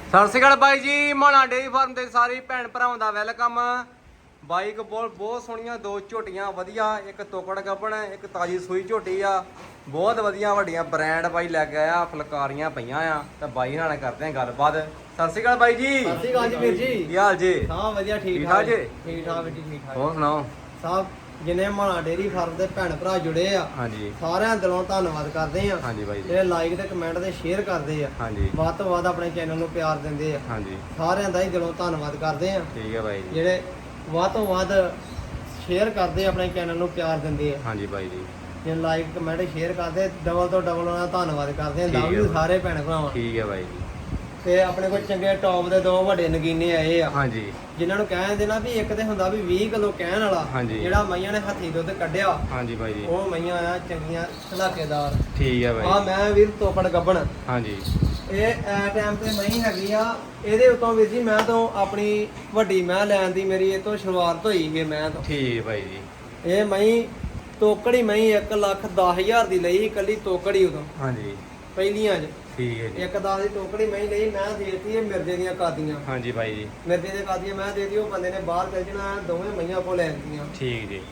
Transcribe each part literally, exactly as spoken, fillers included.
ਸਤਿ ਸ਼੍ਰੀ ਅਕਾਲ ਬਾਈ ਜੀ। ਮਾਣਾ dairy farm ਦੇ ਸਾਰੇ ਭੈਣ ਭਰਾਵਾਂ ਦਾ ਵੈਲਕਮ। ਬਾਈਕ ਬਹੁਤ ਬਹੁਤ ਸੋਹਣੀਆਂ ਦੋ ਝੋਟੀਆਂ ਵਧੀਆ, ਇੱਕ ਤੋਕੜ ਗੱਭਣ, ਇੱਕ ਤਾਜੀ ਸੂਈ ਝੋਟੀ ਆ। ਬਹੁਤ ਵਧੀਆ ਵੱਡੀਆਂ ਬ੍ਰਾਂਡ ਬਾਈ ਲੈ ਕੇ ਆਇਆ, ਫੁਲਕਾਰੀਆਂ ਪਈਆਂ ਆ ਤੇ ਬਾਈ ਨਾਲ ਕਰਦੇ ਆ ਗੱਲਬਾਤ। ਸਤਿ ਸ਼੍ਰੀ ਅਕਾਲ ਬਾਈ ਜੀ। ਸਤਿ ਸ਼੍ਰੀ ਅਕਾਲ ਜੀ ਵੀਰ ਜੀ। ਕੀ ਹਾਲ ਜੀ? ਹਾਂ ਵਧੀਆ, ਠੀਕ ਠਾਕ ਜੀ? ਠੀਕ ਠਾਕ ਜੀ, ਠੀਕ ਠਾਕ। ਹੋਰ ਸੁਣਾਓ ਸਭ ਜਿਨੇ ਮਾਣਾ ਡੇਰੀ ਫਾਰਮ ਦੇ ਭੈਣ ਭਰਾ ਜੁੜੇ ਆ, ਹਾਂਜੀ ਸਾਰਿਆਂ ਦਿਲੋਂ ਧੰਨਵਾਦ ਕਰਦੇ ਆ। ਹਾਂਜੀ ਬਾਈ ਜੀ। ਜਿਹੜੇ ਲਾਈਕ ਤੇ ਕਮੈਂਟ ਤੇ ਸ਼ੇਅਰ ਕਰਦੇ ਆ, ਹਾਂਜੀ ਵੱਧ ਤੋਂ ਵੱਧ ਆਪਣੇ ਚੈਨਲ ਨੂੰ ਪਿਆਰ ਦਿੰਦੇ ਆ, ਹਾਂਜੀ ਸਾਰਿਆਂ ਦਾ ਹੀ ਦਿਲੋਂ ਧੰਨਵਾਦ ਕਰਦੇ ਆ। ਠੀਕ ਹੈ ਬਾਈ ਜੀ। ਜਿਹੜੇ ਵੱਧ ਤੋਂ ਵੱਧ ਸ਼ੇਅਰ ਕਰਦੇ ਆ, ਆਪਣੇ ਚੈਨਲ ਨੂੰ ਪਿਆਰ ਦਿੰਦੇ ਆ। ਹਾਂਜੀ ਬਾਈ ਜੀ। ਜੇ ਲਾਈਕ ਕਮੈਂਟ ਸ਼ੇਅਰ ਕਰਦੇ, ਡਬਲ ਤੋਂ ਡਬਲ ਉਹਨਾਂ ਦਾ ਧੰਨਵਾਦ ਕਰਦੇ ਆ। ਠੀਕ ਹੈ ਲਵ ਯੂ ਬਾਈ। ਸਾਰੇ ਭੈਣ ਭਰਾਵਾਂ। ਠੀਕ ਹੈ ਬਾਈ ਜੀ। ਤੇ ਆਪਣੇ ਕੋਲ ਚੰਗੇ ਟੌਪ ਦੇ ਦੋ ਵੱਡੇ ਨਗੀਨੇ ਆਏ ਆ, ਹਾਂਜੀ ਜਿਨ੍ਹਾਂ ਨੂੰ ਕਹਿਣ ਦੇਣਾ ਵੀ ਇੱਕ ਤੇ ਹੁੰਦਾ ਵੀ ਵੀਹ ਕਿਲੋ ਕਹਿਣ ਵਾਲਾ, ਹਾਂਜੀ। ਜਿਹੜਾ ਮਈਆਂ ਨੇ ਹੱਥੀ ਦੁੱਧ ਕੱਢਿਆ, ਹਾਂਜੀ ਬਾਈ ਜੀ। ਉਹ ਮਈਆਂ ਆ ਚੰਗੀਆਂ ਧਲਾਕੇਦਾਰ। ਠੀਕ ਹੈ ਆ ਬਾਈ। ਮੈਂ ਵੀਰ ਤੋਕੜ ਗੱਭਣ, ਹਾਂਜੀ ਇਹ ਐ ਟਾਈਮ ਤੇ ਮਈ ਹੈਗੀ ਆ। ਇਹਦੇ ਉਤੋਂ ਵੀਰ ਜੀ ਮੈਂ ਤੋਂ ਆਪਣੀ ਵੱਡੀ ਮੈਂ ਲੈਣ ਦੀ ਮੇਰੀ ਇਹ ਤੋਂ ਸ਼ੁਰੂਆਤ ਹੋਈ ਹੈ ਮੈਂ ਤੋਂ। ਠੀਕ ਹੈ ਬਾਈ ਜੀ। ਇਹ ਮਈ ਤੋਕੜੀ ਮਈ ਇੱਕ ਲੱਖ ਦਸ ਹਜ਼ਾਰ ਦੀ ਲਈ, ਇਕੱਲੀ ਤੋਕੜੀ ਉਦੋਂ ਹਾਂਜੀ ਪਹਿਲੀਆਂ 'ਚ। ਠੀਕ ਹੈ ਜੀ। ਇੱਕ ਦਸ ਦੀ ਟੋਕੜੀ ਮੈਂ ਲਈ, ਮੈਂ ਦੇਤੀ ਇਹ ਮਿਰਜ਼ੇ ਦੀਆਂ ਕਾਦੀਆਂ। ਹਾਂਜੀ ਬਾਈ ਜੀ। ਮਿਰਜ਼ੇ ਦੀਆਂ ਕਾਦੀਆਂ ਮੈਂ ਦੇਤੀ, ਉਹ ਬੰਦੇ ਨੇ ਬਾਹਰ ਚੱਲ ਜਾਣਾ, ਦੋਵੇਂ ਮਈਆਂ ਕੋਲ ਲੈ ਆਂਦੀਆਂ। ਠੀਕ ਜੀ।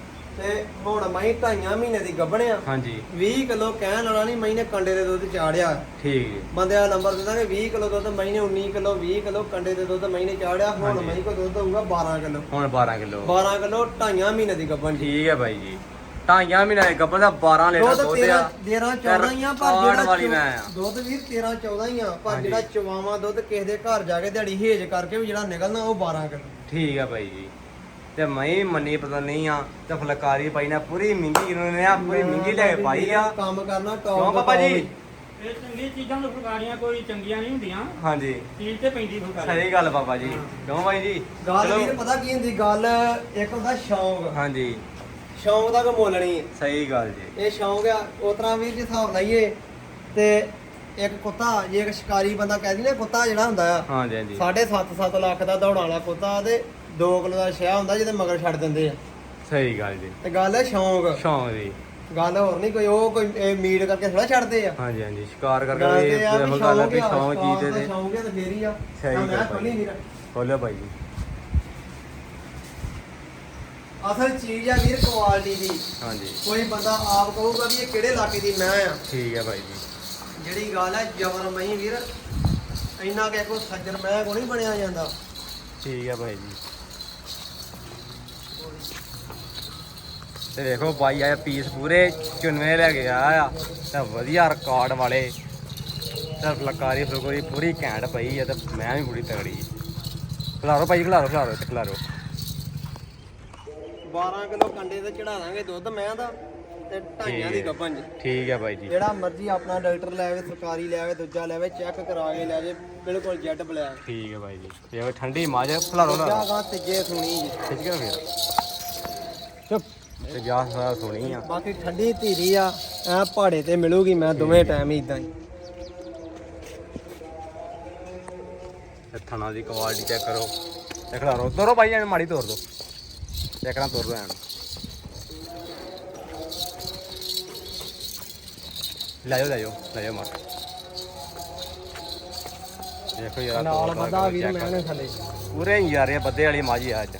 ਤੇ ਹੁਣ ਮਈ ਢਾਈਆਂ ਮਹੀਨੇ ਦੀ ਗੱਭਣਿਆ, ਹਾਂਜੀ ਵੀਹ ਕਿਲੋ ਕਹਿਣ ਵਾਲਾ ਨਹੀਂ, ਮਈ ਨੇ ਕੰਡੇ ਦੇ ਦੁੱਧ ਚਾੜਿਆ। ਠੀਕ ਜੀ। ਬੰਦੇ ਦਾ ਨੰਬਰ ਦਿੰਦਾ ਕਿ ਵੀਹ ਕਿਲੋ ਦੁੱਧ, ਮਈ ਨੇ ਉੱਨੀ ਕਿਲੋ ਵੀਹ ਕਿਲੋ ਕੰਡੇ ਦੇ ਦੁੱਧ ਮਈ ਨੇ ਚਾੜਿਆ। ਹੁਣ ਹਾਂਜੀ। ਮਈ ਕੋ ਦੁੱਧ ਹੋਊਗਾ ਬਾਰਾਂ ਕਿਲੋ। ਹੁਣ ਬਾਰਾਂ ਕਿਲੋ। ਬਾਰਾਂ ਕਿਲੋ ਢਾਈਆਂ ਮਹੀਨੇ ਦੀ ਗੱਭਣ ਜੀ। ਠੀਕ ਹੈ ਬਾਈ ਜੀ। ਢਾਈਆਂ ਮਹੀਨੇ ਦੇ ਗੱਭਣ ਦਾ ਬਾਰਾਂ ਲੀਟਰ ਦੁੱਧ ਦੁੱਧ ਤੇਰਾਂ ਆ। ਤੇਰਾਂ ਚੌਦਾਂ ਹੀ ਆ, ਪਰ ਰਿਕਾਰਡ ਜਿਹੜਾ ਵਾਲੀ ਚੋ- ਮੈਂ ਆ। ਦੁੱਧ ਵੀਰ ਤੇਰਾਂ ਚੌਦਾਂ ਹੀ ਆ, ਪਰ ਹਾਂਜੀ। ਜਿਹੜਾ ਚਵਾਵਾਂ ਦੁੱਧ ਕਿਸੇ ਦੇ ਘਰ ਜਾ ਕੇ ਦਿਹਾੜੀ ਹੇਜ ਕਰਕੇ ਵੀ ਜਿਹੜਾ ਨਿਕਲਣਾ ਉਹ ਬਾਰਾਂ ਕਿਲੋ। ਠੀਕ ਹੈ ਬਾਈ ਜੀ। ਤੇ ਮੈਂ ਮੰਨੀ ਪਤਾ ਨਹੀਂ ਆ ਤੇ ਫੁਲਕਾਰੀ ਪਾਈ ਨਾ ਪੂਰੀ ਮਹਿੰਗੀ ਨੇ ਆ, ਪੂਰੀ ਮਹਿੰਗੀ ਲੈ ਕੇ ਪਾਈ ਆ। ਕੰਮ ਕਰਨਾ ਟੌਪ ਕਿਉਂ ਪਾਪਾ ਜੀ? ਇਹ ਚੰਗੀ ਚੀਜ਼ਾਂ ਤੋਂ ਫੁਲਕਾਰੀਆਂ ਕੋਈ ਚੰਗੀਆਂ ਨਹੀਂ ਹੁੰਦੀਆਂ, ਹਾਂਜੀ ਚੀਜ਼ ਤੇ ਪੈਂਦੀ ਫੁਲਕਾਰੀ। ਸਹੀ ਗੱਲ ਬਾਬਾ ਜੀ। ਕਿਉਂ ਬਾਈ ਜੀ? ਗੱਲ ਚਲੋ। ਵੀਰ ਪਤਾ ਕੀ ਹੁੰਦੀ ਗੱਲ, ਇੱਕ ਹੁੰਦਾ ਸ਼ੌਂਕ, ਹਾਂਜੀ ਸ਼ੌਂਕ ਦਾ ਕੋ ਮੁੱਲ ਨਹੀਂ ਹੈ। ਸਹੀ ਗੱਲ ਜੀ। ਇਹ ਸ਼ੌਂਕ ਆ। ਉਸ ਤਰ੍ਹਾਂ ਵੀਰ ਜੇ ਹਿਸਾਬ ਲਾਈਏ ਤੇ ਇੱਕ ਕੁੱਤਾ, ਜੇ ਇੱਕ ਸ਼ਿਕਾਰੀ ਬੰਦਾ ਕਹਿ ਦੀ ਨਾ, ਕੁੱਤਾ ਜਿਹੜਾ ਹੁੰਦਾ ਆ ਹਾਂਜੀ ਹਾਂਜੀ ਸਾਢੇ ਸੱਤ ਸੱਤ ਲੱਖ ਦਾ ਦੌੜਾਂ ਵਾਲਾ ਕੁੱਤਾ, ਤੇ ਦੋ ਕਿਲੋ ਦਾ ਸ਼ਹਿ ਹੁੰਦਾ ਜਿਹਦੇ ਮਗਰ ਛੱਡ ਦਿੰਦੇ ਆ। ਸਹੀ ਗੱਲ ਜੀ। ਤੇ ਗੱਲ ਹੈ ਸ਼ੌਂਕ, ਸ਼ੌਂਕ ਦੀ। ਗੱਲ ਹੋਰ ਨਹੀਂ ਕੋਈ। ਉਹ ਕੋਈ ਇਹ ਮੀਟ ਕਰਕੇ ਥੋੜਾ ਛੱਡਦੇ ਆ। ਹਾਂਜੀ ਹਾਂਜੀ ਸ਼ਿਕਾਰ ਗੱਲ ਕਰਕੇ ਤੇ ਆ ਵੀ ਇਹੋ ਗੱਲ ਹੈ ਵੀ ਸ਼ੌਂਕ ਸ਼ੌਂਕ ਆ, ਚੀਜ਼ ਦੇ ਸ਼ੌਂਕ ਹੈ ਤੇ ਫੇਰ ਹੀ ਆ। ਸਹੀ ਤਾਂ ਗੱਲ ਮੈਂ ਭਾਈ। ਖੋਲੀ ਵੀਰ, ਖੋਲਿਓ ਬਾਈ ਜੀ। ਅਸਲ ਚੀਜ਼ ਆ ਵੀਰ ਕੁਆਲਿਟੀ ਦੀ। ਹਾਂਜੀ ਕੋਈ ਬੰਦਾ ਆਪ ਕਹੂਗਾ ਵੀ ਇਹ ਕਿਹੜੇ ਇਲਾਕੇ ਦੀ ਮੈਂ ਆ, ਠੀਕ ਹੈ ਬਾਈ ਜੀ। ਜਿਹੜੀ ਗੱਲ ਹੈ ਜਬਰ ਮਈ ਵੀਰ, ਇੰਨਾ ਕਿ ਕੋਈ ਸੱਜਣ ਮੈਂ ਕੋ ਨਹੀਂ ਬਣਿਆ ਜਾਂਦਾ। ਠੀਕ ਹੈ ਭਾਈ ਜੀ। ਤੇ ਦੇਖੋ ਬਾਈ ਆਇਆ ਪੀਸ ਪੂਰੇ ਚੁਨਵੇਂ ਲੈ ਕੇ ਆਇਆ ਆ ਤੇ ਵਧੀਆ ਰਿਕਾਰਡ ਵਾਲੇ ਤੇ ਫੁਲਕਾਰੀ ਫੁਲਕਾਰੀ ਪੂਰੀ ਘੈਂਟ ਪਈ ਆ ਤੇ ਮੈਂ ਵੀ ਪੂਰੀ ਤਗੜੀ। ਖਿਲਾਰੋ ਭਾਈ ਖਿਲਾਰੋ ਖਿਲਾਰੋ ਤੇ ਖਿਲਾਰੋ। ਬਾਰਾਂ ਕਿਲੋ ਕੰਡੇ ਤੇ ਚੜਾ ਦਾਂਗੇ ਦੁੱਧ ਮੈਂ ਦਾ, ਤੇ ਢਾਈਆਂ ਦੀ ਗੱਭਣ ਜੀ। ਠੀਕ ਹੈ ਬਾਈ ਜੀ। ਜਿਹੜਾ ਮਰਜ਼ੀ ਆਪਣਾ ਡਾਕਟਰ ਲੈ ਆਵੇ, ਸਰਕਾਰੀ ਲੈ ਆਵੇ, ਦੂਜਾ ਲੈ ਆਵੇ, ਚੈੱਕ ਕਰਾ ਕੇ ਲੈ ਜੇ, ਬਿਲਕੁਲ ਜੈਡ ਬਲੈਕ। ਠੀਕ ਹੈ ਬਾਈ ਜੀ। ਇਹ ਠੰਡੀ ਮਾਝ ਖਿਲਾਰੋ ਦੂਜਾ ਖਿਲਾਰੋ। ਗਾਂ ਤੀਜੇ ਸੁਣੀ ਜੀ। ਖਿੱਚ ਕੇ ਫਿਰ ਚੁੱਪ ਤੇ ਜਾ ਸਾਰਾ ਸੁਣੀ ਆ। ਬਾਕੀ ਠੰਡੀ ਧੀਰੀ ਆ, ਐ ਪਹਾੜੇ ਤੇ ਮਿਲੂਗੀ ਮੈਂ ਦੋਵੇਂ ਟਾਈਮ ਹੀ ਇਦਾਂ ਹੀ। ਤੇ ਥਣਾ ਦੀ ਕੁਆਲਿਟੀ ਚੈੱਕ ਕਰੋ ਤੇ ਖਿਲਾਰੋ। ਤੋਰੋ ਭਾਈ ਐਨ ਮਾੜੀ ਤੋਰ ਦੋ, ਚੈੱਕ ਨਾ ਤੋਰ ਦੋ ਐਨ। ਲੈ ਜਾਓ ਲੈ ਜਾਓ ਲੈ ਜਾਓ ਮਾਰ। ਦੇਖੋ ਯਾਰ ਨਾਲ ਬੰਦਾ ਵੀਰ ਮੈਂ ਨੇ ਥੱਲੇ ਪੂਰੇ ਯਾਰੇ ਬੱਦੇ ਵਾਲੀ ਮਾਜੀ ਆ ਅੱਜ।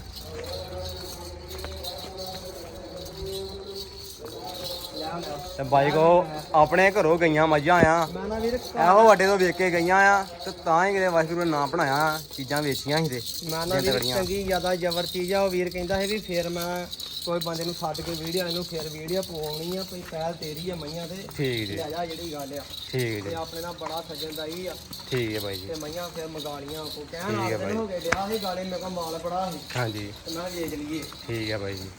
ਤੇ ਬਾਈ ਕੋ ਆਪਣੇ ਘਰੋਂ ਗਈਆਂ ਮੱਝਾਂ ਆ, ਮੈਂ ਨਾ ਵੀਰ ਇਹੋ ਵੱਡੇ ਤੋਂ ਵੇਚ ਕੇ ਗਈਆਂ ਆ ਤੇ ਤਾਂ ਹੀ ਕਿਤੇ ਵਾਹਿਗੁਰੂ ਨੇ ਨਾਂ ਬਣਾਇਆ, ਚੀਜ਼ਾਂ ਵੇਚੀਆਂ ਸੀ ਤੇ ਮੈਂ ਨਾ ਵੀਰ ਚੰਗੀ ਜ਼ਿਆਦਾ ਜ਼ਬਰ ਚੀਜ਼ ਆ। ਉਹ ਵੀਰ ਕਹਿੰਦਾ ਹੈ ਵੀ ਫੇਰ ਮੈਂ ਕੋਈ ਬੰਦੇ ਨੂੰ ਸੱਦ ਕੇ ਵੀਡੀਓ ਇਹਨੂੰ ਫੇਰ ਵੀਡੀਓ ਪਾਉਣੀ ਆ, ਕੋਈ ਪਹਿਲ ਤੇਰੀ ਆ ਮਈਆਂ ਤੇ ਠੀਕ ਜੀ। ਲੈ ਜਾ ਜਿਹੜੀ ਗੱਲ ਆ। ਠੀਕ ਤੇ ਜੀ। ਆਪਣੇ ਨਾਲ ਬੜਾ ਸੱਜਣ ਦਾ ਹੀ ਆ, ਠੀਕ ਹੈ ਬਾਈ ਜੀ। ਤੇ ਮਈਆਂ ਫੇਰ ਮੰਗਾਲੀਆਂ ਕੋ ਕਹਿਣ ਠੀਕ ਹੈ ਆ ਦਿਨ ਹੋ ਗਏ ਡਿਆ ਸੀ ਗਾਲੇ, ਮੈਂ ਕਿਹਾ ਮਾਲ ਬੜਾ ਸੀ ਹਾਂਜੀ ਤੇ ਮੈਂ ਵੇਚ ਲਈਏ। ਠੀਕ ਹੈ ਬਾਈ ਜੀ।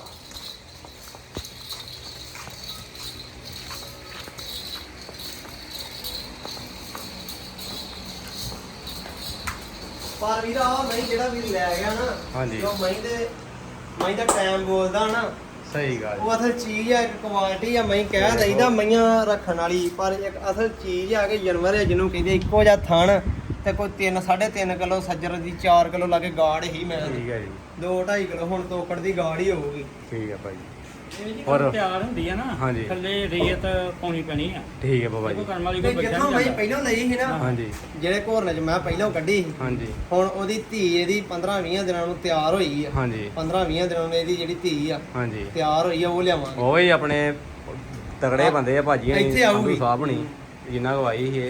ਪਰ ਵੀਰ ਆ ਮੈਂ ਜਿਹੜਾ ਵੀਰ ਲੈ ਗਿਆ ਨਾ, ਹਾਂਜੀ। ਜੋ ਮੈਂ ਦੇ ਮੈਂ ਦਾ ਟਾਈਮ ਬੋਲਦਾ ਨਾ, ਸਹੀ ਗੱਲ। ਉਹ ਅਸਲ ਚੀਜ਼ ਆ, ਇੱਕ ਕੁਆਲਿਟੀ ਆ। ਮੈਂ ਕਹਿ ਦਈਦਾ ਮਈਆਂ ਰੱਖਣ ਵਾਲੀ, ਪਰ ਇੱਕ ਅਸਲ ਚੀਜ਼ ਆ ਕਿ ਜਾਨਵਰ ਹੈ ਜਿਹਨੂੰ ਕਹਿੰਦੇ ਇੱਕੋ ਜਿਹਾ ਥਣ ਤੇ ਕੋਈ ਤਿੰਨ ਸਾਢੇ ਤਿੰਨ ਕਿਲੋ ਸੱਜਰ ਦੀ ਚਾਰ ਕਿਲੋ ਲਾ ਕੇ ਗਾੜ ਹੀ ਮੈਂ ਠੀਕ ਹੈ ਜੀ। ਦੋ ਢਾਈ ਕਿਲੋ ਹੁਣ ਤੋਕੜ ਦੀ ਗਾੜ ਹੀ ਹੋਊਗੀ। ਠੀਕ ਹੈ ਭਾਈ। ਇਹ ਜੀ ਔਰ- ਜਦੋਂ ਤਿਆਰ ਹੁੰਦੀ ਆ ਨਾ ਹਾਂਜੀ। ਥੱਲੇ ਰੇਤ ਪਾਉਣੀ ਪੈਣੀ ਆ ਠੀਕ ਹੈ ਬਾਬਾ ਦੇਖੋ ਜੀ ਕਰਮ ਵਾਲੀ ਤੇ ਕੋਈ ਬੱਚਾ ਜਿੱਥੋਂ ਨਹੀਂ ਮੈਂ ਪਹਿਲਾਂ ਲਈ ਸੀ ਨਾ ਹਾਂਜੀ ਜਿਹੜੇ ਘੋਰਨੇ ਚ ਮੈਂ ਪਹਿਲਾਂ ਕੱਢੀ ਸੀ ਹਾਂਜੀ ਹੁਣ ਉਹਦੀ ਧੀ ਇਹਦੀ ਪੰਦਰਾਂ ਵੀਹ ਦਿਨਾਂ ਨੂੰ ਤਿਆਰ ਹੋਈ ਆ ਹਾਂਜੀ ਪੰਦਰਾਂ ਵੀਹ ਦਿਨਾਂ ਨੂੰ ਇਹਦੀ ਜਿਹੜੀ ਧੀ ਆ ਹਾਂਜੀ ਤਿਆਰ ਹੋਈ ਆ ਉਹ ਲਿਆਵਾਂਗੇ ਉਹ ਹੀ ਆਪਣੇ ਤਗੜੇ ਬੰਦੇ ਆ ਭਾਜੀ ਇੱਥੇ ਅਸੀਂ ਆਊਗੀ। ਸੰਧੂ ਸਾਹਿਬ ਨਹੀਂ ਜਿੰਨਾ ਗਵਾਈ ਸੀ ਇਹ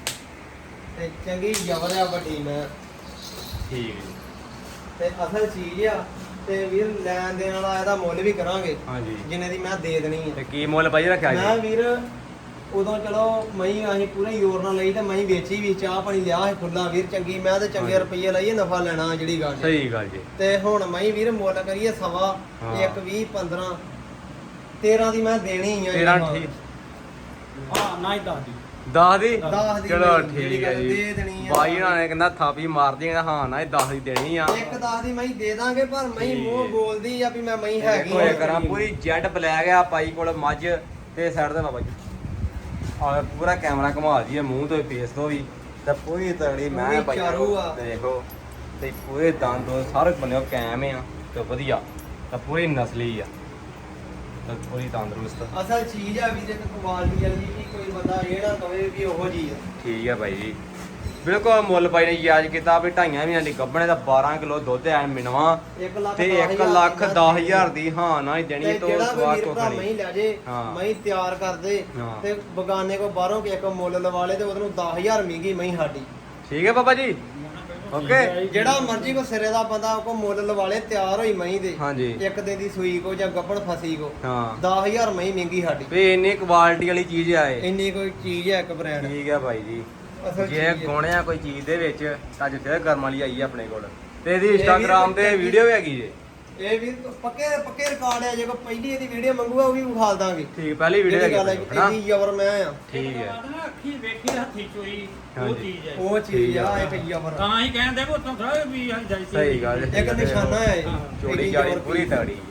ਤੇ ਚੰਗੀ ਜ਼ਬਰ ਆ ਵੱਡੀ ਮੈਂ ਠੀਕ ਹੈ ਜੀ। ਤੇ ਅਸਲ ਚੀਜ਼ ਆ ਤੇ ਵੀਰ ਲੈਣ ਦੇਣ ਵਾਲਾ ਇਹਦਾ ਮੁੱਲ ਵੀ ਕਰਾਂਗੇ ਹਾਂਜੀ ਜਿੰਨੇ ਦੀ ਮੈਂ ਦੇ ਦੇਣੀ ਆ ਤੇ ਕੀ ਮੁੱਲ ਭਾਜੀ ਰੱਖਿਆ ਮੈਂ ਜੀ ਵੀਰ ਉਦੋਂ ਚਲੋ ਮਈ ਅਸੀਂ ਪੂਰੇ ਜ਼ੋਰ ਨਾਲ ਲਈ ਤੇ ਮਈ ਵੇਚੀ ਵੀ ਚਾਹ ਪਾਣੀ ਲਿਆ ਸੀ ਖੁੱਲਾ ਵੀਰ ਚੰਗੀ ਮੈਂ ਤੇ ਚੰਗੇ ਹਾਂਜੀ। ਰੁਪਈਏ ਲਾਈਏ ਨਫਾ ਲੈਣਾ ਜਿਹੜੀ ਗੱਲ ਹੈ। ਸਹੀ ਗੱਲ ਜੀ ਤੇ ਹੁਣ ਮਈ ਵੀਰ ਮੁੱਲ ਕਰੀਏ ਸਵਾ ਹਾਂ। ਇੱਕ ਵੀਹ ਪੰਦਰਾਂ ਤੇਰਾਂ ਦੀ ਮੈਂ ਦੇਣੀ ਆ ਤੇਰਾਂ ਠੀਕ ਹਾਂ ਨਾ ਹੀ ਦੱਸ ਦੀ ਦਸ ਦੀ ਦਸ ਦੀ ਚਲੋ ਮੈਂ ਜਿਹੜੀ ਠੀਕ ਹੈ ਗੱਲ ਜੀ ਦੇ ਦੇਣੀ ਆ। ਬਾਈ ਉਹਨਾਂ ਨੇ ਕਹਿੰਦਾ ਥਾਪੀ ਮਾਰਦੀ ਕਹਿੰਦਾ ਹਾਂ ਨਾ ਇਹ ਦਸ ਦੀ ਦੇਣੀ ਆ ਇੱਕ ਦਸ ਦੀ ਮੈਂ ਦੇ ਦਾਂਗੇ ਪਰ ਮੈਂ ਠੀਕ ਮੂੰਹ ਹੈ। ਬੋਲਦੀ ਆ ਵੀ ਮੈਂ ਮਈ ਹੈਗੀ ਦੇਖੋ ਇਹ ਕਰਾਂ ਪੂਰੀ ਜੈਟ ਬਲੈਕ ਆ ਪਾਈ ਕੋਲ ਮੱਝ ਤੇ ਸਾਈਡ ਤੇ ਬਾਬਾ ਜੀ ਆ ਪੂਰਾ ਕੈਮਰਾ ਘੁਮਾ ਦਈਏ ਮੂੰਹ ਤੋਂ ਫੇਸ ਤੋਂ ਵੀ ਤੇ ਪੂਰੀ ਤਗੜੀ ਮੈਂ ਪੂਰੀ ਪਾਈ ਚਾਰੂ ਆ। ਦੇਖੋ ਤੇ ਪੂਰੇ ਦੰਦ ਸਾਰੇ ਬੰਨਿਓ ਕੈਮ ਆ ਤੇ ਵਧੀਆ ਤੇ ਪੂਰੀ ਨਸਲੀ ਆ ਤੇ ਪੂਰੀ ਤੰਦਰੁਸਤ ਅਸਲ ਚੀਜ਼ ਆ ਵੀ ਜੇ ਕੁਆਲਿਟੀ ਵਾਲੀ ਵੀ ਕੋਈ ਬੰਦਾ ਇਹ ਨਾ ਕਵੇ ਵੀ ਉਹੋ ਜੀ ਆ ਠੀਕ ਆ ਬਾਈ ਜੀ ਬਿਲਕੁਲ ਮੁੱਲ ਬਾਈ ਨੇ ਯਾਦ ਕੀਤਾ ਵੀ ਢਾਈਆਂ ਮਹੀਨਿਆਂ ਦੀ ਗੱਭਣੇ ਦਾ ਬਾਰਾਂ ਕਿਲੋ ਦੁੱਧ ਐ ਮਿਨਵਾ ਇੱਕ ਲੱਖ ਤੇ ਦਸ ਇੱਕ ਹਜ਼ਾਰ ਲੱਖ ਦੀ ਦਸ ਹਜ਼ਾਰ ਦੀ ਹਾਂ ਨਾ ਹੀ ਦੇਣੀ ਤੇ ਤੋਂ ਜਿਹੜਾ ਕੋਈ ਸਵਾਦ ਵੀਰ ਕੋ ਭਰਾ ਖਣੀ ਮਹੀਂ ਲੈ ਜੇ ਹਾਂ। ਮਹੀਂ ਤਿਆਰ ਕਰਦੇ ਹਾਂ। ਤੇ ਬਗਾਨੇ ਕੋ ਬਾਹਰੋਂ ਕਿ ਇੱਕ ਮੁੱਲ ਲਵਾ ਲੇ ਤੇ ਉਹਨੂੰ ਦਸ ਹਜ਼ਾਰ ਮਹਿੰਗੀ ਮਹੀਂ ਸਾਡੀ ਠੀਕ ਹੈ ਬਾਬਾ ਜੀ ਓਕੇ ਜਿਹੜਾ ਮਰਜ਼ੀ ਕੋ ਸਿਰੇ ਦਾ ਬੰਦਾ ਕੋ ਮੁੱਲ ਲਵਾ ਲੇ ਤਿਆਰ ਹੋਈ ਮਹੀਂ ਦੇ ਹਾਂਜੀ ਇੱਕ ਦਿਨ ਦੀ ਸੂਈ ਕੋ ਜਾਂ ਗੱਭਣ ਫਸੀ ਕੋ ਹਾਂ ਦਸ ਹਜ਼ਾਰ ਮਹੀਂ ਮਹਿੰਗੀ ਸਾਡੀ ਵੀ ਇੰਨੀ ਕੁਆਲਿਟੀ ਵਾਲੀ ਚੀਜ਼ ਆ ਇਹ ਇੰਨੀ ਕੋਈ ਚੀਜ਼ ਹੈ ਇੱਕ ਬ੍ਰਾਂਡ ਠੀਕ ਹੈ ਭਾਈ ਜੀ ਅਸਲ ਜੇ ਚੀਜ਼ ਹੈ। ਗੁਣਿਆ ਕੋਈ ਚੀਜ਼ ਦੇ ਵਿੱਚ ਤਾਂ ਅੱਜ ਫਿਰ ਕਰਮ ਵਾਲੀ ਆਈ ਆ ਆਪਣੇ ਕੋਲ ਤੇ ਇਹਦੀ ਇਹ ਵੀ ਇੰਸਟਾਗ੍ਰਾਮ ਤੇ ਚੰਗੀ- ਵੀਡੀਓ ਵੀ ਹੈਗੀ ਜੇ ਇਹ ਵੀ ਪੱਕੇ ਪੱਕੇ ਰਿਕਾਰਡ ਹੈ ਜੇ ਕੋ ਪਹਿਲੀ ਇਹਦੀ ਵੀਡੀਓ ਮੰਗੂਗਾ ਉਹ ਵੀ ਵਿਖਾ ਦਾਂਗੇ ਠੀਕ ਪਹਿਲੀ ਵੀਡੀਓ ਜਿਹੜੀ ਗੱਲ ਹੈ ਹੈਗੀ ਹਨਾ ਇਹਦੀ ਜ਼ਬਰ ਮੈਂ ਆ ਠੀਕ ਹੈ ਨਾ ਅੱਖੀ ਵੇਖੀ ਹੱਥੀ ਚੋਈ ਉਹ ਹਾਂਜੀ। ਚੀਜ਼ ਹੈ ਉਹ ਚੀਜ਼ ਆ ਇੱਕ ਜ਼ਬਰ ਤਾਂ ਹੀ ਕਹਿੰਦੇ ਵੀ ਉਤੋਂ ਥੋੜਾ ਵੀ ਆਈ ਜਾਈ ਸੀ ਸਹੀ ਗੱਲ ਹੈ। ਇੱਕ ਨਿਸ਼ਾਨਾ ਹੈ ਇਹ। ਹਾਂ। ਚੋੜੀ ਇਹਦੀ ਜਾੜੀ ਜ਼ਬਰ ਪੂਰੀ ਪੀਸ। ਤਗੜੀ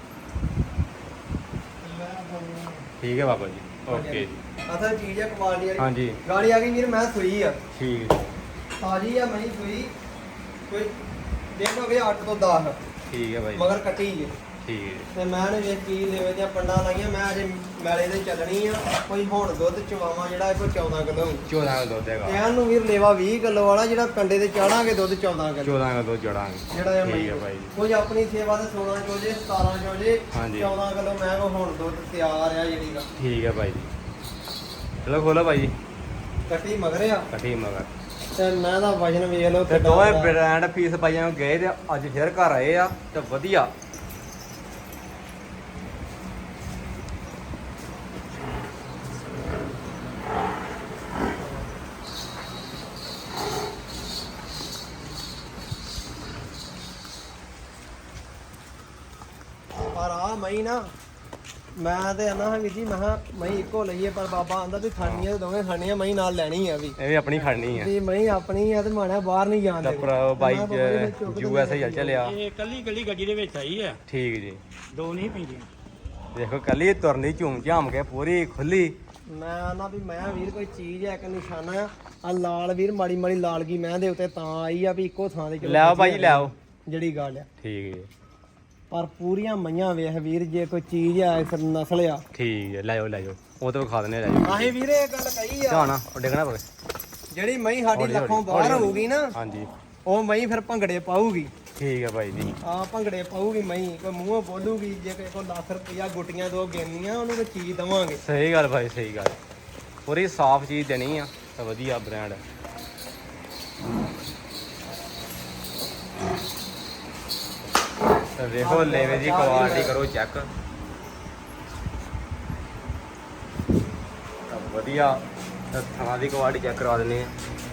ਠੀਕ ਹੈ ਬਾਬਾ ਜੀ ਓਕੇ ਜੀ ਅਸਲ ਚੀਜ਼ ਹੈ ਕੁਆਲਿਟੀ ਵਾਲੀ ਹਾਂਜੀ ਗਾੜੀ ਆ ਗਈ ਵੀਰ ਮੈਂ ਸੂਈ ਆ ਠੀਕ ਹੈ ਤਾਜੀ ਆ ਮਹੀਂ ਸੂਈ ਕੋਈ ਦੇਖੋਗੇ ਅੱਠ ਤੋਂ ਦਸ ਠੀਕ ਹੈ ਭਾਈ ਮਗਰ ਕੱਟੀ ਜੇ ਠੀਕ ਹੈ ਤੇ ਮੈਂ ਨੇ ਵੇਖ ਕੀ ਲੈਵੇ ਦੀਆਂ ਪੰਡਾਂ ਲਾਈਆਂ ਮੈਂ ਅਜੇ ਮੈਲੇ ਦੇ ਚੱਲਣੀ ਆ ਕੋਈ ਹੁਣ ਦੁੱਧ ਚਵਾਵਾਂ ਜਿਹੜਾ ਇਹ ਕੋਈ ਚੌਦਾਂ ਕਿਲੋ ਚੌਦਾਂ ਦਾ ਦੁੱਧ ਹੈਗਾ ਕਹਿਣ ਨੂੰ ਵੀਰ ਲੇਵਾ ਵੀਹ ਕਿਲੋ ਵਾਲਾ ਜਿਹੜਾ ਕੰਡੇ ਤੇ ਚਾੜਾਂਗੇ ਦੁੱਧ ਚੌਦਾਂ ਕਿਲੋ ਚੌਦਾਂ ਦਾ ਦੁੱਧ ਜੜਾਂਗੇ ਜਿਹੜਾ ਇਹ ਠੀਕ ਮਹੀਂ ਹੈ ਭਾਈ ਕੋਈ ਆਪਣੀ ਸੇਵਾ ਤੇ ਸੋਲਾਂ ਚੋ ਜੇ ਸਤਾਰਾਂ ਚੋ ਜੇ ਹਾਂਜੀ। ਚੌਦਾਂ ਕਿਲੋ ਮੈਂ ਕੋ ਹੁਣ ਦੁੱਧ ਤਿਆਰ ਆ ਜਿਹੜੀ ਦਾ ਠੀਕ ਹੈ ਭਾਈ ਜੀ ਚਲੋ ਖੋਲੋ ਭਾਈ ਜੀ ਕੱਟੀ ਮਗਰ ਆ ਕੱਟੀ ਮਗਰ ਤੇ ਮੈਂ ਦਾ ਵਜਨ ਵੇਖ ਲਓ ਤੇ ਕਿੱਡਾ ਦੋਵੇਂ ਵੱਡਾ। ਬ੍ਰਾਂਡ ਫੀਸ ਪਾਈਆਂ ਗਏ ਤੇ ਅੱਜ ਫਿਰ ਘਰ ਆਏ ਆ ਤੇ ਵਧੀਆ ਪਰ ਆ ਮਈ ਨਾ ਮੈਂ ਤੇ ਆਨਾ ਹਾਂ ਵੀਰ ਜੀ ਮੈਂ ਕਿਹਾ ਮਈ ਇੱਕੋ ਲਈਏ ਪਰ ਬਾਬਾ ਆਂਦਾ ਵੀ ਖਾਣੀਆਂ ਦੋਵੇਂ ਖਾਣੀਆਂ ਮਈ ਨਾਲ ਲੈਣੀ ਆ ਵੀ ਇਹ ਵੀ ਆਪਣੀ ਖੜਨੀ ਆ ਵੀ ਮਈ ਆਪਣੀ ਆ ਤੇ ਮਾਣਾ ਬਾਹਰ ਨਹੀਂ ਜਾਣ ਤਾਂ ਦੇ ਭਰਾ ਬਾਈ ਯੂ ਐਸ ਏ ਚੱਲਿਆ ਇਹ ਕੱਲੀ ਕੱਲੀ ਗੱਡੀ ਦੇ ਵਿੱਚ ਆਈ ਹੈ ਠੀਕ ਜੀ ਦੋ ਨਹੀਂ ਪੈਂਦੀਆਂ ਦੇਖੋ ਕੱਲੀ ਤੁਰਨੀ ਝੂਮ ਝਾਮ ਕੇ ਪੂਰੀ ਖੁੱਲੀ ਮੈਂ ਆਨਾ ਵੀ ਮੈਂ ਵੀਰ ਕੋਈ ਚੀਜ਼ ਹੈ ਇੱਕ ਨਿਸ਼ਾਨਾ ਆ ਆ ਲਾਲ ਵੀਰ ਮਾੜੀ ਮਾੜੀ ਲਾਲਗੀ ਮੈਂ ਦੇ ਉੱਤੇ ਤਾਂ ਆਈ ਆ ਵੀ ਇੱਕੋ ਥਾਂ ਦੇ ਚਲੋ ਲੈ ਆਓ ਭਾਈ ਲੈ ਆਓ ਜਿਹੜੀ ਗੱਲ ਆ ਠੀਕ ਜੀ ਪਰ ਪੂਰੀਆਂ ਮਈਆਂ ਵੇਖ ਵੀਰ ਜੇ ਕੋਈ ਚੀਜ਼ ਆ ਇਸ ਨਸਲ ਆ ਠੀਕ ਹੈ ਲੈ ਆਓ ਲੈ ਆਓ ਉਹ ਤਾਂ ਖਾ ਦਨੇ ਲੈ ਜਾਓ ਆਹੇ ਵੀਰੇ ਇਹ ਗੱਲ ਕਹੀ ਆ ਧਿਆਨਾ ਉਹ ਡਿੱਗਣਾ ਪਵੇ ਜਿਹੜੀ ਮਈ ਸਾਡੀ ਹੌਲੀ ਲੱਖੋਂ ਹੌਲੀ, ਬਾਹਰ ਹੌਲੀ ਹੋਊਗੀ ਨਾ ਹਾਂਜੀ ਉਹ ਮਈ ਫਿਰ ਭੰਗੜੇ ਪਾਊਗੀ ਠੀਕ ਹੈ ਭਾਈ ਜੀ ਆ ਭੰਗੜੇ ਪਾਊਗੀ ਮਈ ਕੋਈ ਮੂੰਹੋਂ ਬੋਲੂਗੀ ਜੇ ਕੋਈ ਕੋ ਲੱਖ ਰੁਪਇਆ ਗੁੱਟੀਆਂ ਦੋ ਗਿਣਨੀਆਂ ਉਹਨੂੰ ਕੋਈ ਚੀਜ਼ ਦਵਾਂਗੇ ਸਹੀ ਗੱਲ ਭਾਈ ਸਹੀ ਗੱਲ ਪੂਰੀ ਸਾਫ਼ ਚੀਜ਼ ਦੇਣੀ ਆ ਤਾਂ ਵਧੀਆ ਬ੍ਰਾਂਡ ਤਾਂ ਵੇਖੋ ਲੈਵੇ ਦੀ ਕੁਆਲਿਟੀ ਕਰੋ ਚੈੱਕ ਤਾਂ ਵਧੀਆ ਤਾਂ ਥਾਂ ਦੀ ਕੁਆਲਿਟੀ ਚੈੱਕ ਕਰਾ ਦਿੰਦੇ ਆ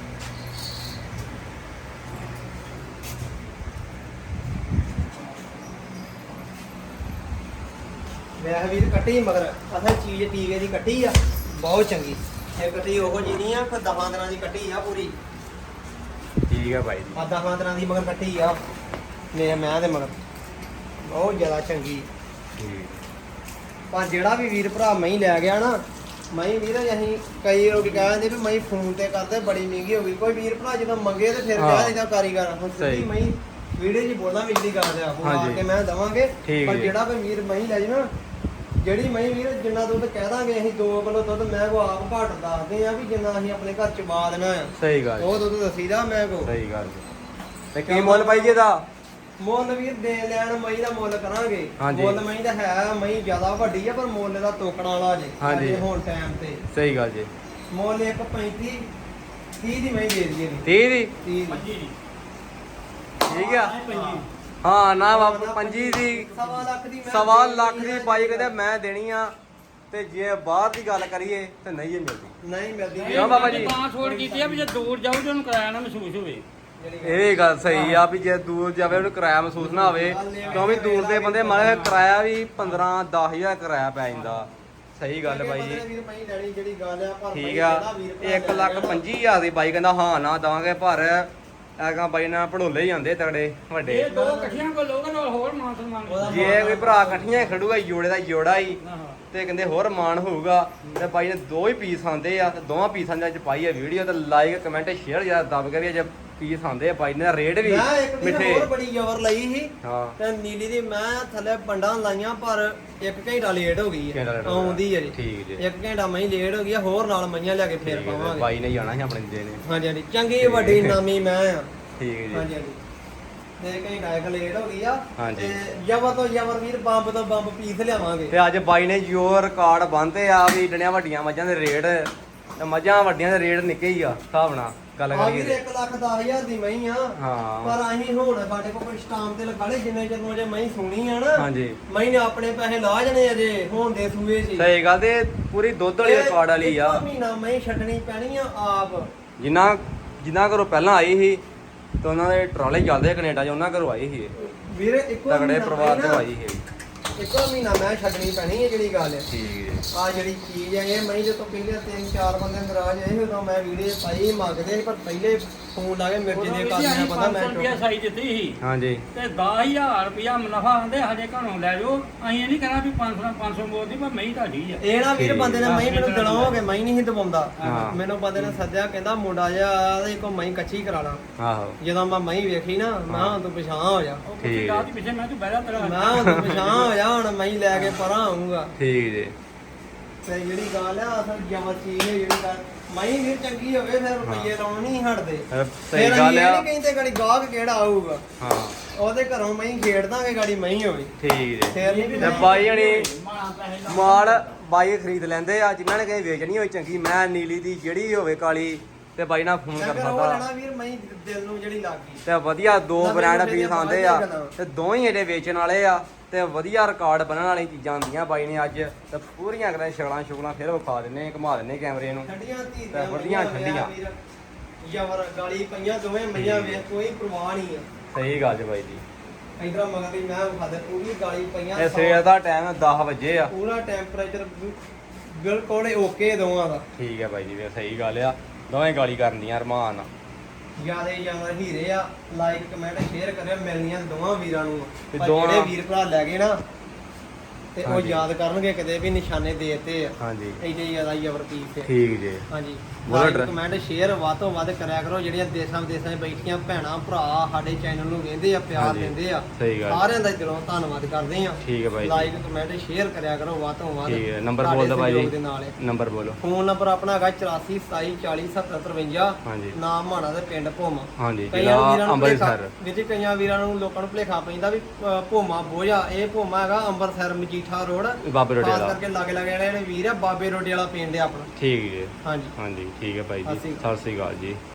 ਵੇਖ ਵੀਰ ਕੱਟੀ ਮਗਰ ਅਸਲ ਚੀਜ਼ ਟੀਕੇ ਦੀ ਕੱਟੀ ਆ ਬਹੁਤ ਚੰਗੀ ਇਹ ਕੱਟੀ ਉਹੋ ਜੀ ਨਹੀਂ ਆ ਫਿਰ ਦਹਾਂ ਦਿਨਾਂ ਦੀ ਕੱਟੀ ਆ ਪੂਰੀ ਠੀਕ ਹੈ ਭਾਈ ਜੀ ਆ ਦਹਾਂ ਦਿਨਾਂ ਦੀ ਮਗਰ ਕੱਟੀ ਆ ਮੈਂ ਮੈਂ ਦੇ ਮਗਰ ਬਹੁਤ ਜ਼ਿਆਦਾ ਚੰਗੀ ਠੀਕ ਪਰ ਜਿਹੜਾ ਵੀ ਵੀਰ ਭਰਾ ਮਈ ਲੈ ਗਿਆ ਨਾ ਮਈ ਵੀਰ ਅਸੀਂ ਕਈ ਲੋਕ ਕਹਿੰਦੇ ਵੀ ਮਈ ਫੋਨ ਤੇ ਕਰਦੇ ਬੜੀ ਮਹਿੰਗੀ ਹੋ ਗਈ ਕੋਈ ਵੀਰ ਭਰਾ ਜਦੋਂ ਮੰਗੇ ਤੇ ਫਿਰ ਹਾਂ। ਕਹਿ ਦਿੰਦਾ ਕਾਰੀਗਰ ਹੁਣ ਸਹੀ। ਸਿੱਧੀ ਮਈ ਵੀਡੀਓ 'ਚ ਬੋਲਾਂ ਵਿਚਲੀ ਗੱਲ ਆ ਹੁਣ ਆ ਹਾਂਜੀ। ਕੇ ਮੈਂ ਦਵਾਂਗੇ ਠੀਕ ਪਰ ਜੀ। ਜਿਹੜਾ ਕੋਈ ਵੀਰ ਮਈ ਲੈ ਜੇ ਨਾ ਜਿਹੜੀ ਮਹੀਂ ਵੀਰ ਜਿੰਨਾ ਦੁੱਧ ਕਹਿ ਦਾਂਗੇ ਅਸੀਂ ਦੋ ਕਿਲੋ ਦੁੱਧ ਮੈਂ ਕੋ ਆਪ ਘੱਟ ਦੱਸਦੇ ਆ ਵੀ ਜਿੰਨਾ ਅਸੀਂ ਆਪਣੇ ਘਰ ਚ ਪਾ ਦੇਣਾ ਆ ਸਹੀ ਗੱਲ ਉਹ ਦੁੱਧ ਦਸੀਦਾ ਮੈਂ ਕੋ ਸਹੀ ਗੱਲ ਜੀ। ਤੇ ਕੀ ਮੁੱਲ ਪਾਈ ਜੀ ਇਹਦਾ? ਮੁੱਲ ਵੀਰ ਦੇ ਲੈਣ ਮਹੀਂ ਦਾ ਮੁੱਲ ਕਰਾਂਗੇ। ਹਾਂਜੀ। ਮੁੱਲ ਮਹੀਂ ਦਾ ਹੈ ਮਹੀਂ ਜ਼ਿਆਦਾ ਵੱਡੀ ਆ ਪਰ ਮੁੱਲ ਦਾ ਤੋਕਣਾ ਵਾਲਾ ਜੇ ਹਾਂਜੀ। ਅਜੇ ਹੁਣ ਟਾਈਮ ਤੇ ਸਹੀ ਗੱਲ ਜੀ। ਮੁੱਲ ਇੱਕ ਪੈਂਤੀ ਤੀਹ ਦੀ ਮਹੀਂ ਦੇ ਦਈਏ ਜੀ ਤੀਹ ਦੀ ਤੀਹ ਦੀ ਪੰਜੀ ਦੀ ਠੀਕ ਆ ਹਾਂ, ਪੰਜੀ ਹਾਂ ਨਾ ਬਾਪੂ ਪੰਜੀ ਦੀ ਸਵਾ ਲੱਖ ਦੀ ਮੈਂ ਸਵਾ ਦੇ ਲੱਖ ਦੇਣੀ ਦੀ ਆ। ਬਾਈ ਕਹਿੰਦੇ ਮੈਂ ਦੇਣੀ ਆ ਤੇ ਜੇ ਬਾਹਰ ਦੀ ਗੱਲ ਕਰੀਏ ਤੇ ਨਹੀਂ ਇਹ ਮਿਲਦੀ। ਨਹੀਂ ਮਿਲਦੀ ਕਿਉਂ ਬਾਬਾ ਜੀ? ਤਾਂ ਛੋੜ ਕੀਤੀ ਆ ਵੀ ਜੇ ਦੂਰ ਜਾਊ ਤੇ ਉਹਨੂੰ ਕਿਰਾਇਆ ਨਾ ਮਹਿਸੂਸ ਹੋਵੇ। ਇਹ ਗੱਲ ਸਹੀ ਆ ਵੀ ਜੇ ਦੂਰ ਜਾਵੇ ਉਹਨੂੰ ਕਿਰਾਇਆ ਮਹਿਸੂਸ ਨਾ ਹੋਵੇ ਕਿਉਂਕਿ ਦੂਰ ਦੇ ਬੰਦੇ ਮਾਰੇ ਕਿਰਾਇਆ ਵੀ ਪੰਦਰਾਂ ਦਸ ਹਜ਼ਾਰ ਕਿਰਾਇਆ ਪੈ ਜਾਂਦਾ। ਸਹੀ ਗੱਲ ਬਾਈ ਜੀ ਵੀਰ ਮਹੀਂ ਲੈਣੀ ਜਿਹੜੀ ਗੱਲ ਆ ਪਰ ਠੀਕ ਆ ਇੱਕ ਲੱਖ ਪੰਜੀ ਹਜ਼ਾਰ ਦੀ ਬਾਈ ਕਹਿੰਦਾ ਹਾਂ ਨਾ ਦਵਾਂਗੇ ਪਰ ਐਗਾ ਬਾਈ ਨਾਲ ਪੜੋਲੇ ਹੀ ਜਾਂਦੇ ਤਗੜੇ ਵੱਡੇ। ਇਹ ਦੋ ਇਕੱਠੀਆਂ ਕੋ ਲੋਕਾਂ ਨਾਲ ਹੋਰ ਮਾਨ ਸਨਮਾਨ ਜੇ ਕੋਈ ਭਰਾ ਇਕੱਠੀਆਂ ਖੜੂਗਾ ਜੋੜੇ ਦਾ ਜੋੜਾ ਹੀ ਤੇ ਕਹਿੰਦੇ ਹੋਰ ਮਾਣ ਹੋਊਗਾ ਤੇ ਬਾਈ ਨੇ ਦੋ ਹੀ ਪੀਸ ਆਂਦੇ ਆ ਤੇ ਦੋਵਾਂ ਪੀਸਾਂ ਦੇ ਵਿੱਚ ਪਾਈ ਆ ਵੀਡੀਓ ਤੇ ਲਾਈਕ ਕਮੈਂਟ ਸ਼ੇਅਰ ਜਿਆਦਾ ਦੱਬ ਕੇ ਵੀ ਜੇ ਪੀਸ ਆਂਦੇ ਆ ਬਾਈ ਨੇ ਰੇਟ ਵੀ ਮੈਂ ਇੱਕ ਦਿਨ ਮਿੱਠੇ ਹੋਰ ਬੜੀ ਜ਼ਬਰ ਲਈ ਸੀ ਹਾਂ ਤੇ ਨੀਲੀ ਦੀ ਮੈਂ ਥੱਲੇ ਪੰਡਾਂ ਲਾਈਆਂ ਪਰ ਇੱਕ ਘੰਟਾ ਲੇਟ ਹੋ ਗਈ ਘੰਟਾ ਹੈ late ਹੋ ਗਿਆ। ਆਉਂਦੀ ਹੈ ਜੀ ਠੀਕ ਜੀ ਇੱਕ ਘੰਟਾ ਮੈਂ ਲੇਟ ਹੋ ਗਈ ਆ, ਹੋਰ ਨਾਲ ਮਈਆਂ ਲਿਆ ਕੇ ਫੇਰ ਠੀਕ ਹੈ, ਪਾਵਾਂਗੇ ਬਾਈ ਨੇ ਜਾਣਾ ਸੀ ਆਪਣੇ ਜੇ ਨੇ ਹਾਂਜੀ ਹਾਂਜੀ ਚੰਗੀ ਵੱਡੀ ਨਾਮੀ ਮੈਂ ਆ ਠੀਕ ਹੈ ਜੀ ਹਾਂਜੀ ਹਾਂਜੀ ਤੇ ਘੰਟਾ ਇੱਕ ਲੇਟ ਹੋ ਗਈ ਆ ਹਾਂਜੀ। ਤੇ ਜ਼ਬਰ ਤੋਂ ਜ਼ਬਰ ਵੀਰ ਬੰਬ ਤੋਂ ਬੰਬ ਪੀਸ ਲਿਆਵਾਂਗੇ ਤੇ ਅੱਜ ਬਾਈ ਨੇ ਜੋ ਰਿਕਾਰਡ ਬੰਨ੍ਹਦੇ ਆ ਵੀ ਡਣੀਆਂ ਵੱਡੀਆਂ ਮੱਝਾਂ ਦੇ ਰੇਟ ਤੇ ਮੱਝਾਂ ਵੱਡੀਆਂ ਦੇ ਰੇਟ ਨਿੱਕੇ ਹੀ ਆ ਹਿਸਾਬ ਨਾਲ ਗੱਲ ਆ ਕਰੀਏ ਵੀਰ ਤੇ। ਇੱਕ ਲੱਖ ਦਸ ਹਜ਼ਾਰ ਦੀ ਮਈ ਆ ਹਾਂ ਪਰ ਅਸੀਂ ਹੁਣ ਸਾਡੇ ਕੋਲ ਕੋਈ ਸਟਾਮ ਤੇ ਲਗਾ ਲਏ ਜਿੰਨੇ ਚਿਰ ਨੂੰ ਜੇ ਮਈ ਸੁਣੀ ਆ ਨਾ ਹਾਂਜੀ ਮਈ ਨੇ ਆਪਣੇ ਪੈਸੇ ਲਾ ਜਣੇ ਅਜੇ ਹੁਣ ਦੇ ਸੂਏ ਸੀ ਸਹੀ ਗੱਲ ਤੇ ਪੂਰੀ ਦੁੱਧ ਵਾਲੀ ਰਿਕਾਰਡ ਵਾਲੀ ਆ ਇੱਕੋ ਮਹੀਨਾ ਮਈ ਛੱਡਣੀ ਪੈਣੀ ਆ ਆਪ ਜਿਨ੍ਹਾਂ ਜਿਨ੍ਹਾਂ ਘਰੋਂ ਪਹਿਲਾਂ ਆਈ ਸੀ ਤੇ ਉਹਨਾਂ ਦੇ ਟਰਾਲੇ ਚੱਲਦੇ ਕੈਨੇਡਾ 'ਚ ਉਹਨਾਂ ਘਰੋਂ ਆਈ ਸੀ ਇਹ। ਵੀਰ ਇੱਕੋ ਤਗੜੇ ਮਹੀਨਾ ਪਰਿਵਾਰ ਮਈ ਤੋਂ ਨਾ, ਆਈ ਸੀ ਇੱਕੋ ਮਹੀਨਾ ਮੈਂ ਛੱਡਣੀ ਪੈਣੀ ਹੈ ਜਿਹੜੀ ਗੱਲ ਹੈ ਠੀਕ ਜੀ ਆ ਜਿਹੜੀ ਚੀਜ਼ ਹੈ ਇਹ ਮਈ ਜਦੋਂ ਪਹਿਲੇ ਤਿੰਨ ਚਾਰ ਬੰਦੇ ਨਾਰਾਜ਼ ਆਏ ਉਦੋਂ ਮੈਂ ਵੀਡੀਓ ਪਾਈ ਮੰਗਦੇ ਸੀ, ਪਰ ਪਹਿਲੇ ਫੋਨ ਲਾ ਕੇ ਮੇਰੇ ਜਿੰਨੇ ਕਰਨਾ ਪਤਾ ਮੈਂ ਰੁਪਿਆ ਸਾਈ ਦਿੱਤੀ ਸੀ ਹਾਂਜੀ ਤੇ ਦਸ ਹਜ਼ਾਰ ਰੁਪਿਆ ਮੁਨਾਫਾ ਆਂਦੇ ਸਾਡੇ ਘਰੋਂ ਲੈ ਜਾਓ। ਅਸੀਂ ਇਹ ਨਹੀਂ ਕਹਿਣਾ ਵੀ ਪੰਜ ਸੌ ਪੰਜ ਸੌ ਬੋਲਦੀ ਪਰ ਮਹੀਂ ਤੁਹਾਡੀ ਆ। ਇਹ ਨਾ ਵੀਰ ਠੀਕ। ਬੰਦੇ ਨੇ ਮਈ ਮੈਨੂੰ ਦਿਲਾਓਗੇ ਮਈ ਨਹੀਂ ਸੀ ਦਵਾਉਂਦਾ ਹਾਂ। ਮੈਨੂੰ ਬੰਦੇ ਨੇ ਸੱਦਿਆ ਕਹਿੰਦਾ ਮੁੰਡਾ ਜਿਹਾ ਤੇ ਕੋ ਮਈ ਕੱਚੀ ਕਰਾ ਲਾ ਆਹੋ ਜਦੋਂ ਮੈਂ ਮਈ ਵੇਖੀ ਨਾ ਮੈਂ ਹੁਣ ਤੂੰ ਪਛਾਣ ਹੋ ਜਾ ਉਹ ਠੀਕ ਕੁੱਤੀ ਹੈ। ਰਾਤ ਦੇ ਪਿੱਛੇ ਮੈਂ ਤੂੰ ਬਹਿ ਜਾ ਤੇਰਾ ਮੈਂ ਹੁਣ ਤੂੰ ਪਛਾਣ ਹੋ ਜਾ ਹੁਣ ਮਈ ਲੈ ਕੇ ਪਰਾਂ ਆਉਂਗਾ ਠੀਕ ਜੀ ਤੇ ਜਿਹੜੀ ਗੱਲ ਆ ਅਸਲ ਜਮਰ ਚੀਜ਼ ਹੈ ਜਿਹੜੀ ਗੱਲ ਮਈ ਵੀਰ ਚੰਗੀ ਹੋਵੇ ਫਿਰ ਰੁਪਈਏ ਲਾਉਣ ਨਹੀਂ ਹਟਦੇ ਅਹ ਸਹੀ ਫਿਰ ਗੱਲ ਇਹ ਆ ਨਹੀਂ ਕਹਿੰਦੇ ਗਾੜੀ ਗਾਹਕ ਕਿਹੜਾ ਆਊਗਾ ਹਾਂ ਉਹਦੇ ਘਰੋਂ ਮਈ ਖੇਡ ਦਾਂਗੇ ਗਾੜੀ ਮਈ ਹੋਵੇ ਠੀਕ ਜੀ ਫੇਰ ਨਹੀਂ ਤੇ ਬਾਈ ਜਣੀ ਮਾਣਾ ਪੈਸੇ ਲਾ ਮਾਲ ਬਾਈ ਖਰੀਦ ਲੈਂਦੇ ਆ ਜਿਨ੍ਹਾਂ ਨੇ ਕਹੇ ਵੇਚਣੀ ਹੋਈ ਚੰਗੀ ਮੈਂ ਨੀਲੀ ਦੀ ਜਿਹੜੀ ਹੋਵੇ ਕਾਲੀ ਤੇ ਬਾਈ ਨਾਲ ਫੋਨ ਕਰ ਫਿਰ ਉਹ ਸਕਦਾ ਲੈਣਾ ਵੀਰ ਮਈ ਦਿਲ ਨੂੰ ਜਿਹੜੀ ਲੱਗ ਗਈ ਤੇ ਵਧੀਆ ਦੋ ਨਵੇਂ ਬ੍ਰਾਂਡ ਮੁੰਡੇ ਪੀਸ ਦੀਆਂ ਆਉਂਦੇ ਆ ਬਾਹਰ ਦੀਆਂ ਤੇ ਦੋਵੇਂ ਇਹਦੇ ਵੇਚਣ ਵਾਲੇ ਆ ਤੇ ਵਧੀਆ ਰਿਕਾਰਡ ਬਣਨ ਵਾਲੀ ਚੀਜ਼ਾਂ ਆਉਂਦੀਆਂ ਬਾਈ ਨੇ ਅੱਜ ਤੇ ਪੂਰੀਆਂ ਕਰਾਂ ਛਗਲਾਂ ਛੁਗਲਾਂ ਫਿਰ ਵਿਖਾ ਦਿੰਨੇ ਘੁਮਾ ਦਿੰਨੇ ਕੈਮਰੇ ਨੂੰ ਠੰਡੀਆਂ ਧੀ ਤੇ ਵਧੀਆ ਠੰਡੀਆਂ। ਯਾਰ ਗਾਲੀ ਪਈਆਂ ਦੋਵੇਂ ਮਈਆਂ ਵੇਖ ਕੋਈ ਪਰਵਾਹ ਨਹੀਂ ਆ ਸਹੀ ਗੱਲ ਜੀ ਬਾਈ ਜੀ ਇਧਰ ਮਗਰ ਦੀ ਮੈਂ ਵਿਖਾ ਦੇ ਪੂਰੀ ਗਾਲੀ ਪਈਆਂ ਇਹ ਸਵੇਰ ਦਾ ਟਾਈਮ ਦਸ ਵਜੇ ਆ ਪੂਰਾ ਟੈਂਪਰੇਚਰ ਬਿਲਕੁਲ ਓਕੇ ਦੋਵਾਂ ਦਾ ਠੀਕ ਹੈ ਬਾਈ ਜੀ ਵੀ ਸਹੀ ਗੱਲ ਆ ਦੋਵੇਂ ਗਾਲੀ ਕਰਨ ਦੀਆਂ ਅਰਮਾਨ ਨਾਲ। ਜਿਆਦਾ ਜਿਆਦਾ ਹੀਰੇ ਆ ਲਾਈਕ ਕਮੈਂਟ ਸ਼ੇਅਰ ਕਰਿਓ ਮਿਲਣੀਆਂ ਦੋਵਾਂ ਵੀਰਾਂ ਨੂੰ ਤੇ ਪਰ ਦੋਵਾਂ- ਜਿਹੜੇ ਵੀਰ ਭਰਾ ਲੈ ਗਏ ਨਾ ਤੇ ਉਹ ਹਾਂਜੀ। ਯਾਦ ਕਰਨਗੇ ਕਿਤੇ ਵੀ ਨਿਸ਼ਾਨੇ ਦੇਤੇ ਆ ਹਾਂਜੀ ਇੰਨੇ ਜ਼ਿਆਦਾ ਜ਼ਬਰ ਪੀਸ ਤੇ ਠੀਕ ਜੀ ਹਾਂਜੀ ਬੋਲੋ ਲਾਈਕ ਡਰ- ਕਮੈਂਟ ਸ਼ੇਅਰ ਵੱਧ ਤੋਂ ਵੱਧ ਕਰਿਆ ਕਰੋ ਜਿਹੜੀਆਂ ਦੇਸ਼ਾਂ ਵਿਦੇਸ਼ਾਂ 'ਚ ਬੈਠੀਆਂ ਭੈਣਾਂ ਭਰਾ ਸਾਡੇ ਚੈਨਲ ਨੂੰ ਵੇਖਦੇ ਆ ਪਿਆਰ ਹਾਂਜੀ। ਦਿੰਦੇ ਆ ਸਹੀ ਗੱਲ ਸਾਰਿਆਂ ਦਾ ਦਿਲੋਂ ਧੰਨਵਾਦ ਕਰਦੇ ਆ ਠੀਕ ਹੈ ਬਾਈ ਜੀ ਲਾਈਕ ਕਮੈਂਟ ਸ਼ੇਅਰ ਕਰਿਆ ਕਰੋ ਵੱਧ ਤੋਂ ਵੱਧ ਠੀਕ ਹੈ ਨੰਬਰ ਤੁਹਾਡੇ ਬੋਲ ਦਿਓ ਬਾਈ ਸਹਿਯੋਗ ਦੇ ਜੀ ਨਾਲ ਹੈ। ਨੰਬਰ ਬੋਲੋ ਫੋਨ ਨੰਬਰ ਆਪਣਾ ਹੈਗਾ ਚੁਰਾਸੀ ਸਤਾਈ ਚਾਲੀ ਸੱਤਰ ਤਰਵੰਜਾ ਹਾਂਜੀ ਨਾਮ ਮਾਣਾ ਦੇ ਪਿੰਡ ਭੋਮਾ ਹਾਂਜੀ ਕਈਆਂ ਜ਼ਿਲ੍ਹਾ ਵੀਰਾਂ ਨੂੰ ਅੰਮ੍ਰਿਤਸਰ ਭੁਲੇਖਾ- ਵੀਰ ਜੀ ਕਈਆਂ ਵੀਰਾਂ ਨੂੰ ਲੋਕਾਂ ਨੂੰ ਭੁਲੇਖਾ ਪੈਂਦਾ ਵੀ ਅ, ਭੋਮਾ ਬੋਝਾ ਇਹ ਭੋਮਾ ਹੈਗਾ ਅੰਮ੍ਰਿਤਸਰ ਮਜੀਠਾ ਰੋਡ ਬਾਬੇ ਰੋਡੇ ਖਾਸ ਵਾਲਾ ਕਰਕੇ ਲਾਗੇ ਲਾਗੇ ਜਿਹੜੇ ਵੀਰ ਆ ਬਾਬੇ ਰੋਡੇ ਵਾਲਾ ਪਿੰਡ ਆ ਆਪਣਾ ਠੀਕ ਜੀ ਹਾਂਜੀ ਹਾਂਜੀ ਠੀਕ ਹੈ ਬਾਈ ਜੀ ਸਤਿ ਸ਼੍ਰੀ ਸਤਿ ਸ੍ਰੀ ਅਕਾਲ ਜੀ